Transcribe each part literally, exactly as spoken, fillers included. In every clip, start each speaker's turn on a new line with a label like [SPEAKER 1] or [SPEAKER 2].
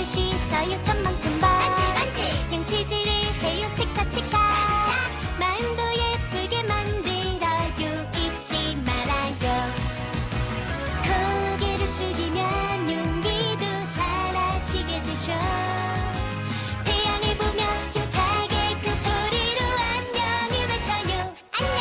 [SPEAKER 1] 씻어요 천방천방 양치질을 해요 치카치카 마음도 예쁘게 만들어요 잊지 말아요 고개를 숙이면 용기도 사라지게 되죠 태양을 보며 힘차게 큰 소리로 안녕을 외쳐요 안녕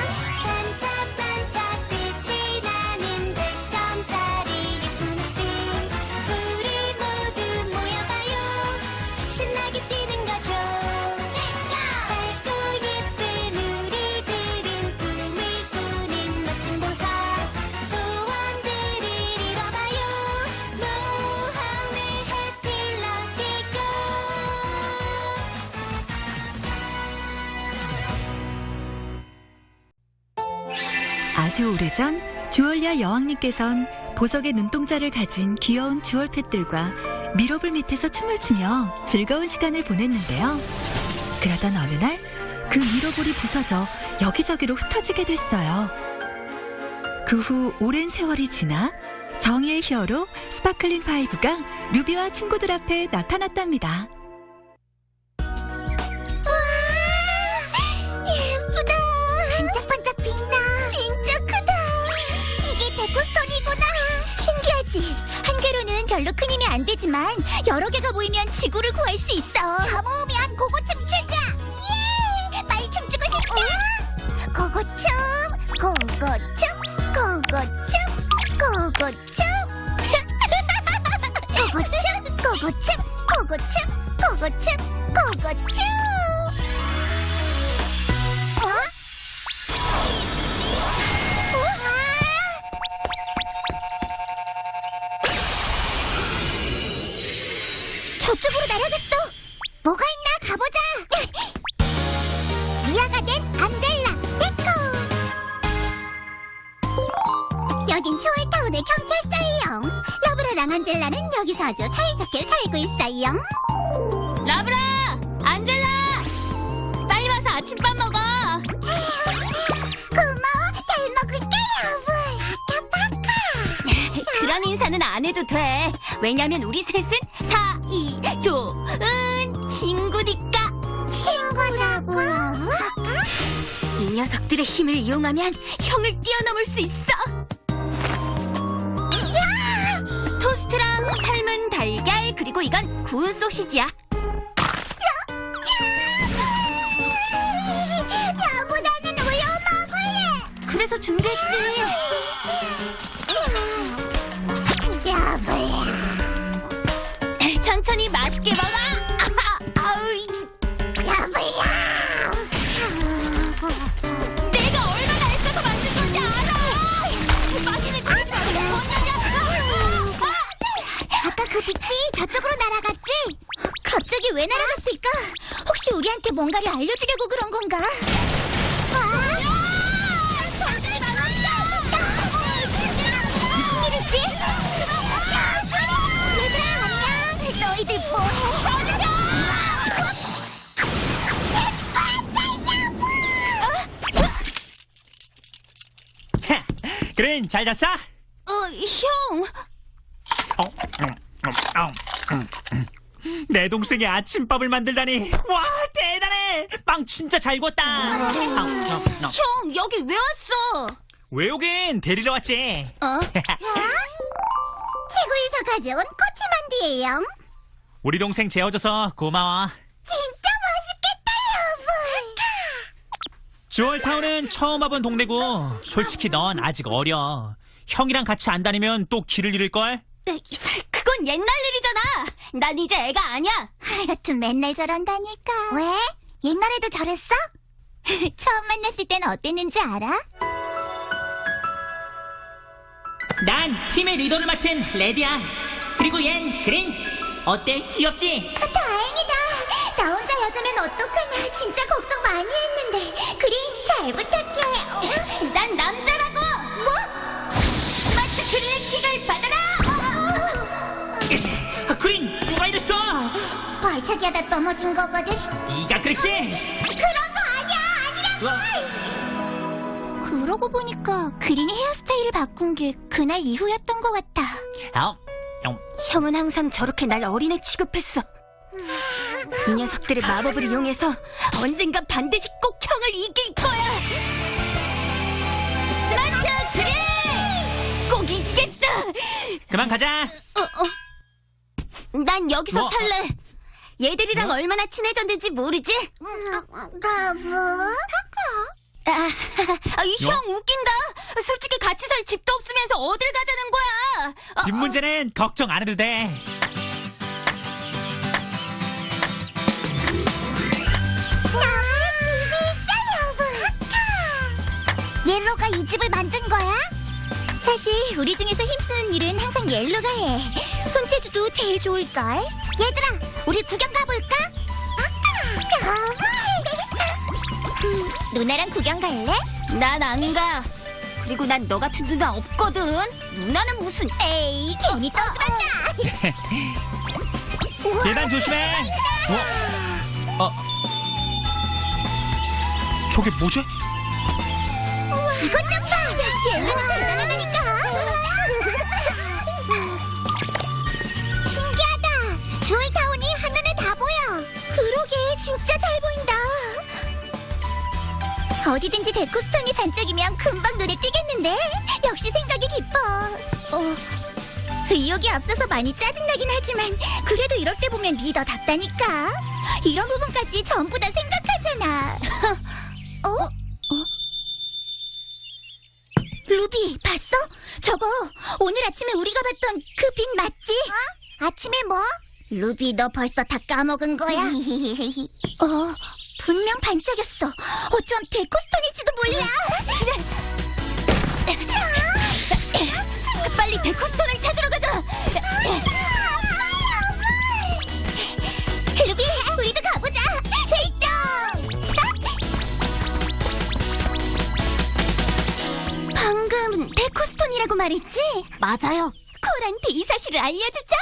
[SPEAKER 1] 반짝반짝 빛이 나는 백 점짜리 예쁜 옷을 우리 모두 모여봐요 신나게 뛰는 거죠 Let's go! 밝고 예쁜 우리들은 꿈을 꾸는 멋진 동상 소원들을 이뤄봐요 모험의 해피 럭키 고
[SPEAKER 2] 아주 오래전 주얼리아 여왕님께선 보석의 눈동자를 가진 귀여운 주얼팻들과 미로불 밑에서 춤을 추며 즐거운 시간을 보냈는데요. 그러던 어느 날 그 미로불이 부서져 여기저기로 흩어지게 됐어요. 그 후 오랜 세월이 지나 정의의 히어로 스파클링 파이브가 루비와 친구들 앞에 나타났답니다.
[SPEAKER 1] 예쁘다 반짝반짝 빛나 진짜 크다 이게 데코스톤이구나 신기하지 한 개로는 별로 큰 힘이 안 되지만 여러 개가 모이면 지구를 구할 수 있어 다 모으면 고고춤 추자 예 빨리 춤추고 싶다 고고춤 고고춤 고고춤 고고춤 고고춤 고고춤 고고춤 고고춤 고고춤 어? 저쪽으로 날아갔어. 뭐가 있나 가보자. 미아가 된 안젤라 데코. 여긴 초월타운의 경찰서예요. 러브라랑 안젤라는 여기서 아주 사이좋게 살고 있어요.
[SPEAKER 3] 라브라! 안젤라! 빨리 와서 아침밥 먹어!
[SPEAKER 1] 고마워. 잘 먹을게 여보. 파카파카.
[SPEAKER 3] 그런 인사는 안 해도 돼. 왜냐면 우리 셋은 사이좋은 친구니까.
[SPEAKER 1] 친구라고요?
[SPEAKER 3] 이 녀석들의 힘을 이용하면 형을 뛰어넘을 수 있어. 토스트랑 삶은 달걀 그리고 이건 구운 소시지야.
[SPEAKER 1] 여보 나는 우유 먹을래.
[SPEAKER 3] 그래서 준비했지.
[SPEAKER 1] 여보야.
[SPEAKER 3] 천천히 맛있게 먹어.
[SPEAKER 1] 여보야.
[SPEAKER 3] 내가 얼마나 애써서 만든 건지 알아. 맛있는 재밌어.
[SPEAKER 1] 아까 그 빛이 저쪽으로 날아갔지? 갑자기 왜 날아갔을까? 혹시 우리한테 뭔가를 알려주려고 그런 건가? 무슨 일이지? 얘들아 안녕. 너희들 뭐해?
[SPEAKER 4] 그린 잘 잤어?
[SPEAKER 3] 어, 형.
[SPEAKER 4] 어, 음, 음, 어, 음, 음. 내 동생이 아침밥을 만들다니 와 대단해 빵 진짜 잘 구웠다 어, 어, 어.
[SPEAKER 3] 형, 여길 왜 왔어?
[SPEAKER 4] 왜 오긴 데리러 왔지
[SPEAKER 3] 어?
[SPEAKER 1] 지구에서 가져온 꼬치만두예요.
[SPEAKER 4] 우리 동생 재워줘서 고마워
[SPEAKER 1] 진짜 맛있겠다 여보.
[SPEAKER 4] 주얼타운은 처음 와본 동네고 솔직히 넌 아직 어려 형이랑 같이 안 다니면 또 길을 잃을걸
[SPEAKER 3] 그건 옛날 일이잖아. 난 이제 애가 아니야.
[SPEAKER 1] 하여튼 맨날 저런다니까. 왜? 옛날에도 저랬어? 처음 만났을 땐 어땠는지 알아?
[SPEAKER 4] 난 팀의 리더를 맡은 레디야 그리고 얜 그린 어때 귀엽지?
[SPEAKER 1] 다행이다. 나 혼자 여자면 어떡하나. 진짜 걱정 많이 했는데. 그린 잘 부탁해. 어?
[SPEAKER 3] 난 남자라고.
[SPEAKER 1] 뭐?
[SPEAKER 3] 스마트 그린의 킥을 받아라.
[SPEAKER 4] 아, 그린 누가 이랬어
[SPEAKER 1] 발차기 하다 넘어진 거거든.
[SPEAKER 4] 네가 그랬지?
[SPEAKER 1] 그런 거 아니야. 아니라고. 그러고 보니까 그린이 헤어스타일을 바꾼 게 그날 이후였던 것 같아.
[SPEAKER 4] 어, 음,
[SPEAKER 3] 형은 항상 저렇게 날 어린애 취급했어. 이 녀석들의 마법을 이용해서 언젠가 반드시 꼭 형을 이길 거야. 스마트 그래! 꼭 이기겠어.
[SPEAKER 4] 그만 가자.
[SPEAKER 3] 어, 어. 난 여기서
[SPEAKER 4] 뭐?
[SPEAKER 3] 살래. 얘들이랑
[SPEAKER 4] 뭐?
[SPEAKER 3] 얼마나 친해졌는지 모르지?
[SPEAKER 1] 라브?
[SPEAKER 3] 아, 아, 이 형
[SPEAKER 4] 뭐?
[SPEAKER 3] 웃긴다. 솔직히 같이 살 집도 없으면서 어딜 가자는 거야. 어,
[SPEAKER 4] 집 문제는 걱정 안 해도 돼.
[SPEAKER 1] 너의 집이 있어, 러브. 옐로가 이 집을 만든 거야? 사실 우리 중에서 힘쓰는 일은 항상 옐로가 해. 손재주도 제일 좋을걸. 얘들아, 우리 구경 가볼까? 음, 누나랑 구경 갈래?
[SPEAKER 3] 난 안 가. 그리고 난 너 같은 누나 없거든. 누나는 무슨?
[SPEAKER 1] 에이, 괜히 떠들었다.
[SPEAKER 4] 계단 조심해. 어? 어? 저게 뭐지?
[SPEAKER 1] 이것 좀 봐. 역시 옐로가 대단하다니까. 신기하다. 주얼타운이 한눈에 다 보여. 그러게, 진짜 잘 보인다. 어디든지 데코스톤이 반짝이면 금방 눈에 띄겠는데? 역시 생각이 깊어. 어, 의욕이 앞서서 많이 짜증나긴 하지만 그래도 이럴 때 보면 리더답다니까. 이런 부분까지 전부 다 생각하잖아. 어? 어? 루비, 봤어? 저거 오늘 아침에 우리가 봤던 그 빛 맞지? 어? 아침에 뭐? 루비, 너 벌써 다 까먹은 거야? 어, 분명 반짝였어. 어쩜 데코스톤일지도 몰라.
[SPEAKER 3] 빨리 데코스톤을 찾으러 가자.
[SPEAKER 1] 루비, 우리도 가보자. 출동!
[SPEAKER 3] 방금 데코스톤이라고 말했지? 맞아요.
[SPEAKER 1] 콜한테 이 사실을 알려주자.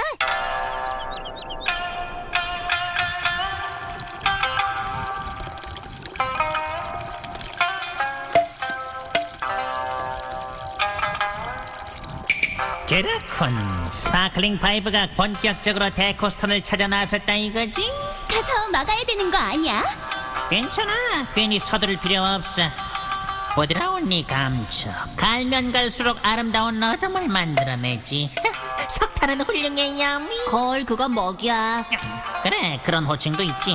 [SPEAKER 5] 그렇군. 스파클링 파이브가 본격적으로 데코스톤을 찾아 나섰다 이거지?
[SPEAKER 3] 가서 막아야 되는 거 아니야?
[SPEAKER 5] 괜찮아. 괜히 서두를 필요 없어. 부드러운 네 감촉. 갈면 갈수록 아름다운 어둠을 만들어내지. 석탄은 훌륭해, 야미.
[SPEAKER 3] 걸 그건 먹이야.
[SPEAKER 5] 그래, 그런 호칭도 있지.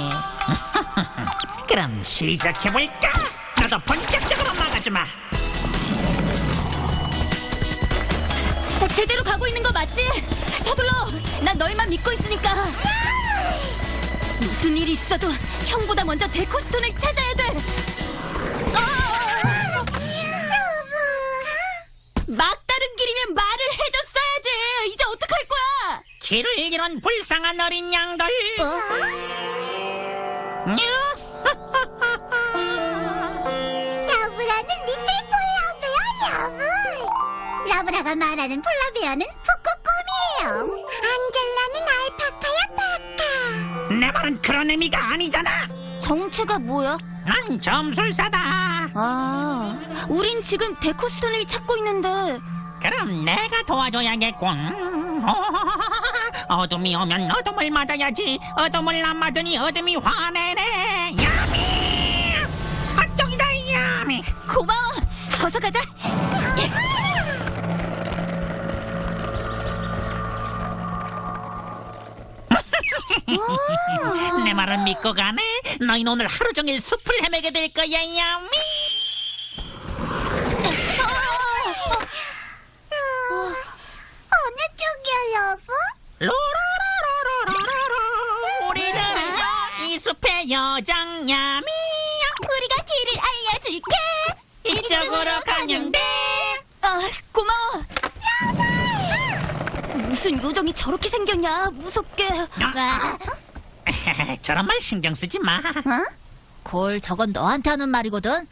[SPEAKER 5] 그럼 시작해볼까? 나도 본격적으로 막아주마.
[SPEAKER 3] 제대로 가고 있는 거 맞지? 서둘러. 난 너희만 믿고 있으니까. 무슨 일이 있어도 형보다 먼저 데코스톤을 찾아야 돼. 어! 막다른 길이면 말을 해줬어야지. 이제 어떡할 거야?
[SPEAKER 5] 길을 잃은 불쌍한 어린 양들. 냐?
[SPEAKER 1] 러브라는 리틀 폴라베어 러브. 러브라가 말하는 폴라베어는 북극곰이에요. 안젤라는 알파카야, 파카.
[SPEAKER 5] 내 말은 그런 의미가 아니잖아.
[SPEAKER 3] 정체가 뭐야?
[SPEAKER 5] 난 점술사다.
[SPEAKER 3] 아, 우린 지금 데코스톤을 찾고 있는데.
[SPEAKER 5] 그럼 내가 도와줘야겠군. 어둠이 오면 어둠을 맞아야지. 어둠을 안 맞으니 어둠이 화내네. 야미! 서쪽이다, 야미.
[SPEAKER 3] 고마워. 어서 가자.
[SPEAKER 5] 내 말을 믿고 가네. 너희는 오늘 하루 종일 숲을 헤매게 될 거야, 야미.
[SPEAKER 1] 어느 쪽이야, 러브?
[SPEAKER 5] 로라라라라라라. 우리들은요 이 숲의 여장 야미.
[SPEAKER 3] 우리가 길을 알려줄게.
[SPEAKER 5] 이쪽으로 가면 돼.
[SPEAKER 3] 아, 고마워. 무슨 요정이 저렇게 생겼냐? 무섭게.
[SPEAKER 5] 아. 저런 말 신경 쓰지 마.
[SPEAKER 3] 골, 저건 너한테 하는 말이거든.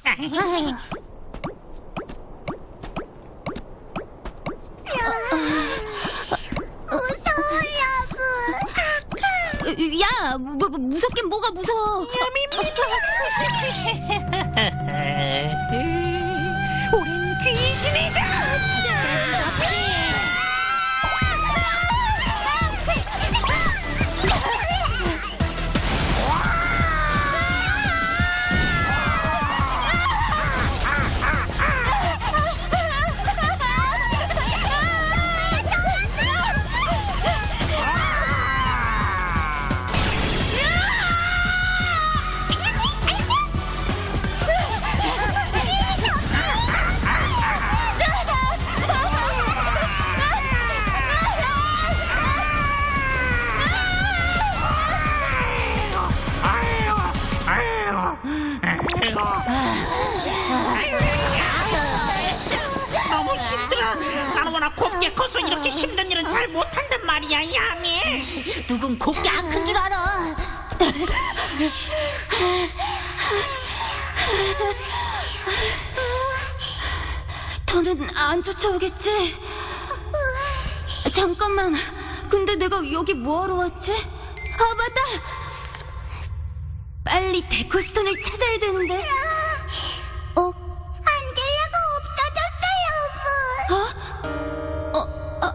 [SPEAKER 1] 무서워, 러브.
[SPEAKER 3] 야, 뭐, 뭐, 무섭긴 뭐가 무서워.
[SPEAKER 5] 우린 귀신이다. 나는 워낙 곱게 커서 이렇게 힘든 일은 잘 못한단 말이야, 야미.
[SPEAKER 3] 누군 곱게 안 큰 줄 알아. 더는 안 쫓아오겠지? 잠깐만. 근데 내가 여기 뭐하러 왔지? 아, 맞다. 빨리 데코스톤을 찾아야 되는데. 어?
[SPEAKER 1] 안젤라가 없어졌어요,
[SPEAKER 3] 어? 어? 아,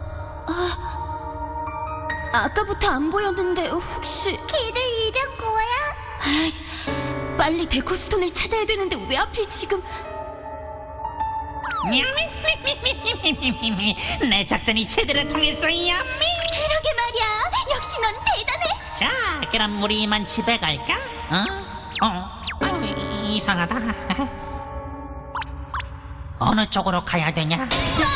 [SPEAKER 3] 아, 아까부터 안 보였는데 혹시
[SPEAKER 1] 길을 잃은 거야?
[SPEAKER 3] 아이, 빨리 데코스톤을 찾아야 되는데 왜 하필 지금.
[SPEAKER 5] 내 작전이 제대로 통했어, 야미.
[SPEAKER 3] 그러게 말이야. 역시 넌 대단해.
[SPEAKER 5] 자, 그럼 우리 이만 집에 갈까? 어? 어? 아유, 이상하다. 어느 쪽으로 가야 되냐?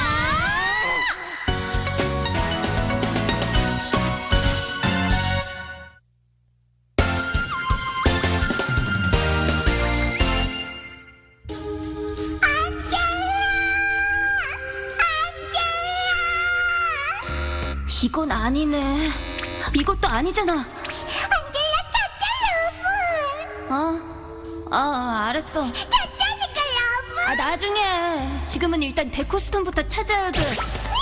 [SPEAKER 3] 이건 아니네. 이것도 아니잖아.
[SPEAKER 1] 안젤라 찾자, 러브.
[SPEAKER 3] 어? 아, 알았어.
[SPEAKER 1] 찾자니까, 러브.
[SPEAKER 3] 아, 나중에. 지금은 일단 데코스톤부터 찾아야 돼.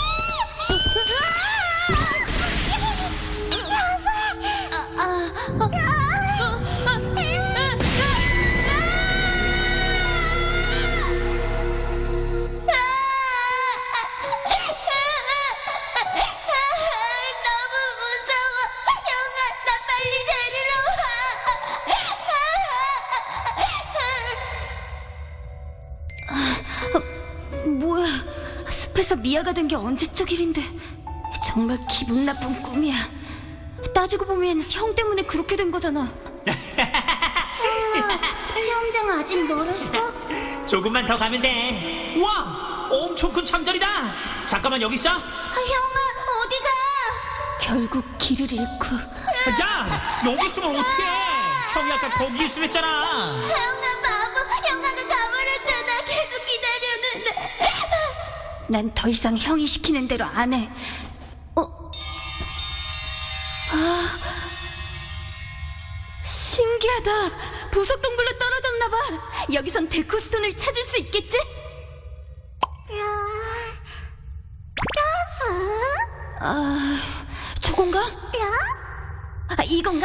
[SPEAKER 3] 아, 아, 어.
[SPEAKER 1] 너무 무서워. 형아, 나 빨리 데리러 와.
[SPEAKER 3] 뭐야. 숲에서 미아가 된 게 언제적 일인데. 정말 기분 나쁜 꿈이야. 따지고 보면 형 때문에 그렇게 된 거잖아.
[SPEAKER 1] 체험장 아직 멀었어?
[SPEAKER 4] 조금만 더 가면 돼. 와, 엄청 큰 참전이다. 잠깐만 여기 있어.
[SPEAKER 1] 아, 형아, 어디가?
[SPEAKER 3] 결국 길을 잃고.
[SPEAKER 4] 야, 여기 있으면 어떡해? 형이 아까 거기 있으면 했잖아.
[SPEAKER 1] 형아, 바보. 형아가 가버렸잖아. 계속 기다렸는데.
[SPEAKER 3] 난 더 이상 형이 시키는 대로 안 해. 어? 아, 신기하다. 보석 동굴로 떨어졌나 봐. 여기선 데코스톤을 찾을 수 있겠지?
[SPEAKER 1] 러브?
[SPEAKER 3] 아, 저건가? 아, 이건가?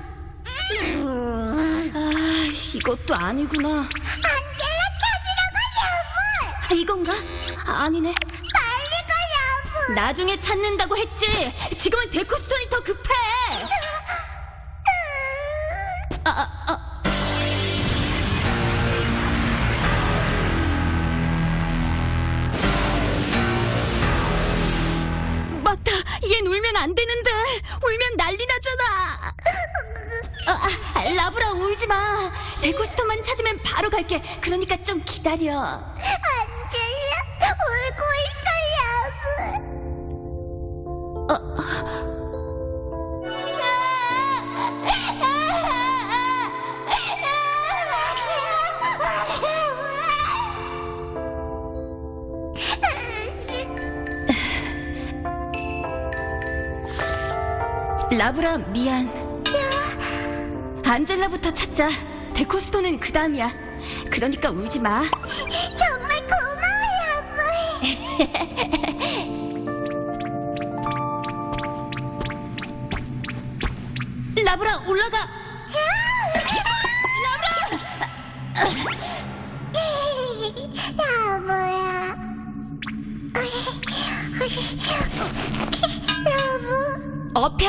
[SPEAKER 3] 아, 이것도 아니구나.
[SPEAKER 1] 안젤라 찾으러 가, 러브.
[SPEAKER 3] 아, 이건가? 아, 아니네.
[SPEAKER 1] 빨리 가, 러브.
[SPEAKER 3] 나중에 찾는다고 했지. 지금은 데코스톤이 더 급해. 아, 아, 아. 맞다. 얜 울면 안 되는데. 울면 난리 나잖아. 아, 아, 라브라 울지 마. 데코스톤만 찾으면 바로 갈게. 그러니까 좀 기다려.
[SPEAKER 1] 안젤라, 울고 있어, 러브.
[SPEAKER 3] 어, 라브라 미안. 안젤라부터 찾자. 데코스톤은 그 다음이야. 그러니까 울지 마.
[SPEAKER 1] 정말 고마워, 러브.
[SPEAKER 3] 라브라 올라가.
[SPEAKER 1] 러브야. 러브,
[SPEAKER 3] 업혀.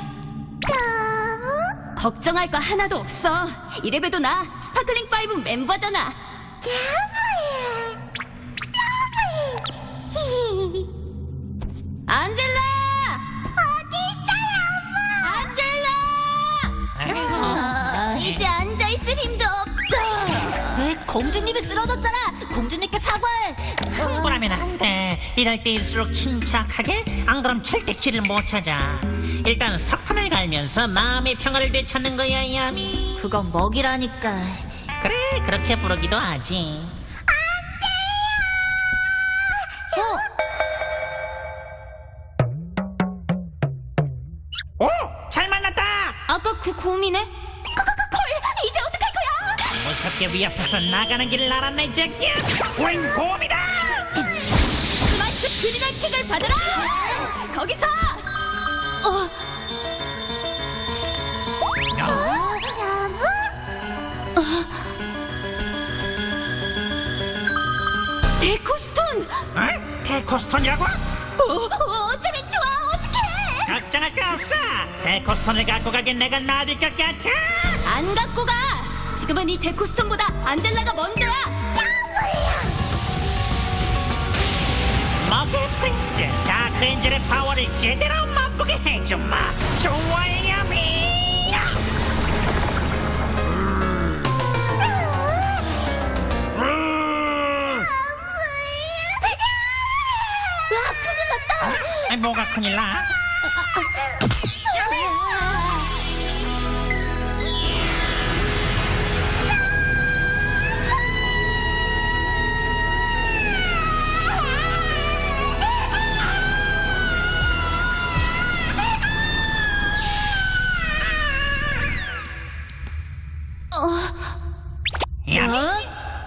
[SPEAKER 1] 러브,
[SPEAKER 3] 걱정할 거 하나도 없어. 이래봬도 나 스파클링 파이브 멤버잖아.
[SPEAKER 1] 러브야. 러브.
[SPEAKER 3] 안젤라!
[SPEAKER 1] 어디 있어, 러브?
[SPEAKER 3] 안젤라!
[SPEAKER 1] 이제 앉아있을 힘도 없다.
[SPEAKER 3] 왜 공주님이 쓰러졌잖아. 공주님께 사과해.
[SPEAKER 5] 흥분하면 안 돼. 이럴 때일수록 침착하게. 안 그럼 절대 길을 못 찾아. 일단 석탄을 갈면서 마음의 평화를 되찾는 거야, 야미.
[SPEAKER 3] 그건 먹이라니까.
[SPEAKER 5] 그래, 그렇게 부르기도 하지.
[SPEAKER 3] 어? 아까 그 곰이네? 콜! 이제 어떡할 거야?
[SPEAKER 5] 무섭게 위협해서 나가는 길 알았네, 제끼야.
[SPEAKER 4] 우린 곰이다.
[SPEAKER 3] 스마트 그린의 킥을 받아라! 거기서! 어, 데코스톤!
[SPEAKER 4] 어? 데코스톤이라고?
[SPEAKER 3] 어, 어쩌면 좋아, 어떡해!
[SPEAKER 5] 걱정할 거 없어. 데코스톤을 갖고 가긴 내가 놔둘 것 같아.
[SPEAKER 3] 안 갖고 가! 지금은 이 데코스톤보다 안젤라가 먼저야!
[SPEAKER 5] 먹의 프린스, 다크 엔젤의 파워를 제대로 맛보게 해줘마. 좋아해, 야미.
[SPEAKER 3] 와, 큰일 났다!
[SPEAKER 5] 아이, 뭐가 큰일 나? 야미.
[SPEAKER 3] 어?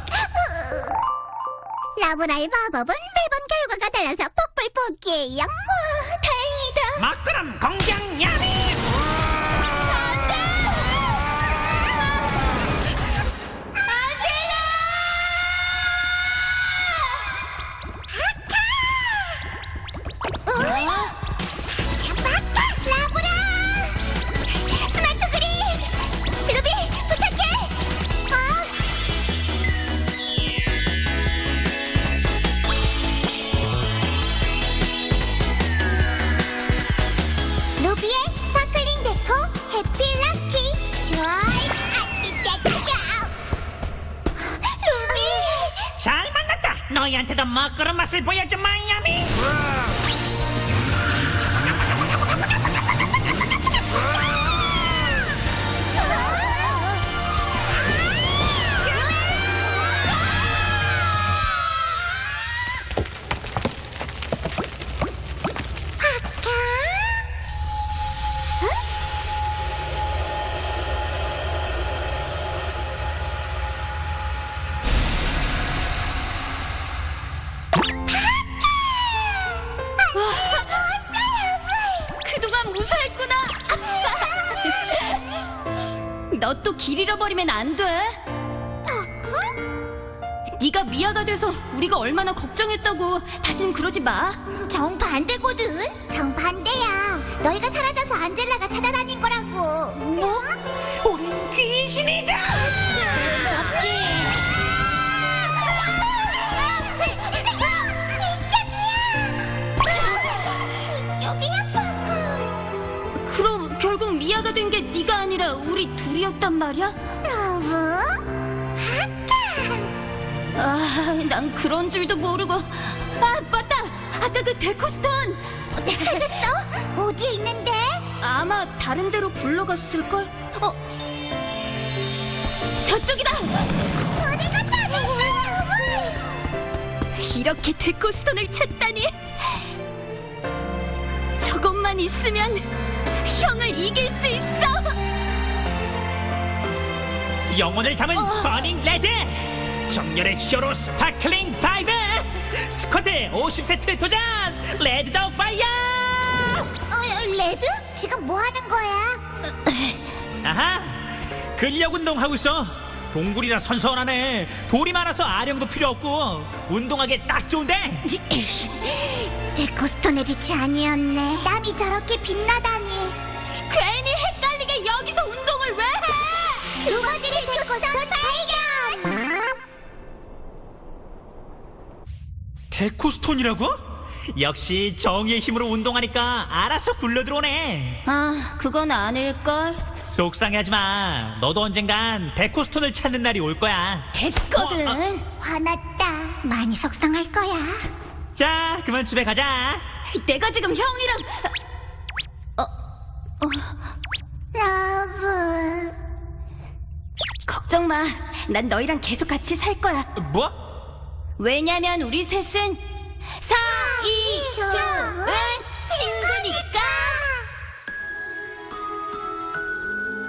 [SPEAKER 1] 라브라의 마법은 매번 결과가 달라서 폭발 뽑기예요. 와, 다행이다.
[SPEAKER 5] 먹구름 공격 야미.
[SPEAKER 1] 맞다, 라브라. 스마트 그린. 루비, 부탁해. 어? 루비의 스파클링 데코 해피 럭키 좋아요. 아, 짜 루비.
[SPEAKER 5] 잘 만났다. 너희한테도 먹구름 맛을 보여주마, 야미.
[SPEAKER 3] 그동안 무사했구나! 너 또 길 잃어버리면 안 돼! 네가 미아가 돼서 우리가 얼마나 걱정했다고. 다신 그러지 마.
[SPEAKER 1] 정반대거든. 정반대야. 너희가 사라져서 안젤라가 찾아다닌 거라고. 뭐?
[SPEAKER 5] 우린 귀신이다.
[SPEAKER 3] 없지.
[SPEAKER 1] 여기 아파고.
[SPEAKER 3] 그럼 결국 미아가 된 게 네가 아니라 우리 둘이었단 말이야?
[SPEAKER 1] 러브?
[SPEAKER 3] 아, 난 그런 줄도 모르고. 아, 맞다! 아까 그 데코스톤!
[SPEAKER 1] 찾았어? 어디에 있는데?
[SPEAKER 3] 아마 다른 데로 굴러갔을걸? 어? 저쪽이다!
[SPEAKER 1] 어디가 찾았어?
[SPEAKER 3] 이렇게 데코스톤을 찾다니! 저것만 있으면 형을 이길 수 있어!
[SPEAKER 4] 영혼을 담은
[SPEAKER 3] 어.
[SPEAKER 4] 버닝 레드. 정열의 히어로 스파클링 파이브. 스쿼트 오십 세트 도전. 레드 더 파이어.
[SPEAKER 1] 어, 레드? 지금 뭐 하는 거야?
[SPEAKER 4] 아하, 근력 운동하고 있어. 동굴이라 선선하네. 돌이 많아서 아령도 필요 없고 운동하기에 딱 좋은데.
[SPEAKER 1] 데코스톤의 빛이 아니었네. 땀이 저렇게 빛나다니.
[SPEAKER 3] 괜히 헷갈리게 여기서 운동을 왜 해!
[SPEAKER 1] 두 번째 데코스톤 발견!
[SPEAKER 4] 데코스톤이라고? 역시 정의의 힘으로 운동하니까 알아서 굴러 들어오네.
[SPEAKER 3] 아, 그건 아닐걸?
[SPEAKER 4] 속상해하지 마. 너도 언젠간 데코스톤을 찾는 날이 올 거야.
[SPEAKER 3] 됐거든.
[SPEAKER 4] 어, 어.
[SPEAKER 1] 화났다. 많이 속상할 거야.
[SPEAKER 4] 자, 그만 집에 가자.
[SPEAKER 3] 내가 지금 형이랑 어,
[SPEAKER 1] 러브.
[SPEAKER 3] 걱정 마. 난 너희랑 계속 같이 살 거야.
[SPEAKER 4] 뭐?
[SPEAKER 3] 왜냐면 우리 셋은 사이좋은 친구니까.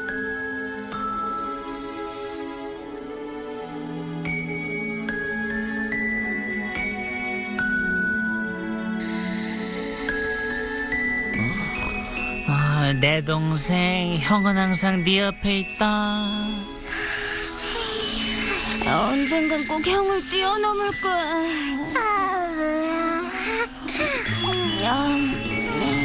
[SPEAKER 5] 어, 내 동생 형은 항상 네 옆에 있다.
[SPEAKER 3] 언젠간 꼭 형을 뛰어넘을 거야. 야,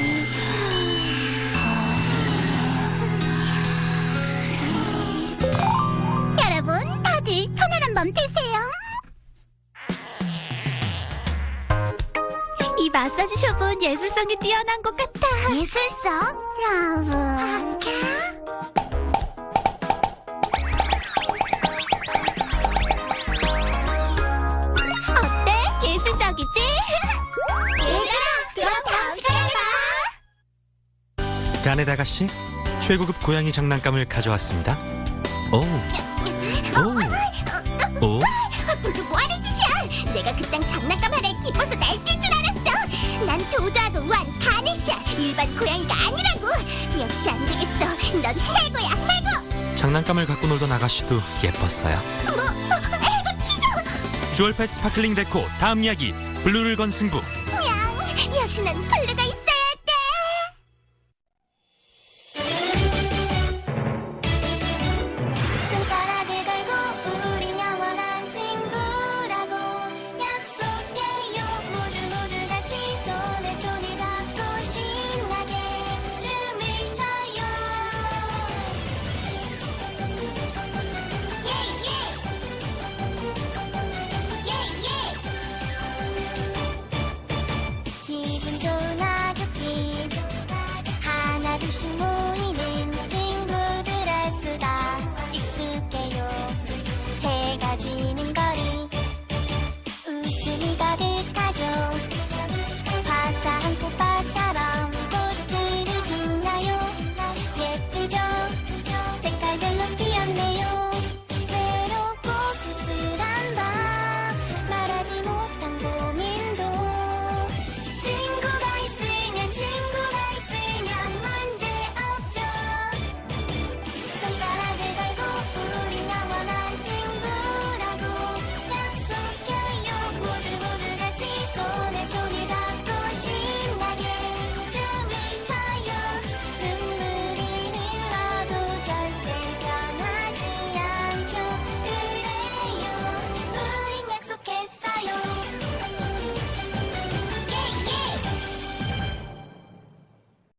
[SPEAKER 1] 여러분, 다들 편안한 맘 되세요.
[SPEAKER 3] 이 마사지 숍은 예술성이 뛰어난 것 같아.
[SPEAKER 1] 예술성? 여러분.
[SPEAKER 3] 어때? 예술적이지?
[SPEAKER 1] 얘들아, 그럼 다음 시간에 봐.
[SPEAKER 6] 가넷 아가씨, 최고급 고양이 장난감을 가져왔습니다. 오, 오, 오.
[SPEAKER 1] 블루 뭐하는 짓이야? 내가 그딴 장난감 하나에 기뻐서 날뛸 줄 알았어. 난 도도하고 우한 가넷이야. 일반 고양이가 아니라고. 역시 안 되겠어. 넌 해고야, 해고.
[SPEAKER 6] 장난감을 갖고 놀던 아가씨도 예뻤어요.
[SPEAKER 1] 뭐, 뭐 해고 취소.
[SPEAKER 6] 주얼패 스파클링 데코 다음 이야기 블루를 건 승부.
[SPEAKER 1] 냥, 역시 난 블루가 있어야 돼.
[SPEAKER 3] 손가락을 걸고 우린 영원한 친구라고 약속해요. 모두 모두 같이 손에 손을 잡고 신나게 춤을 춰요. 예예 예예. 기분 좋은 하교 킥 하나 둘씩 모두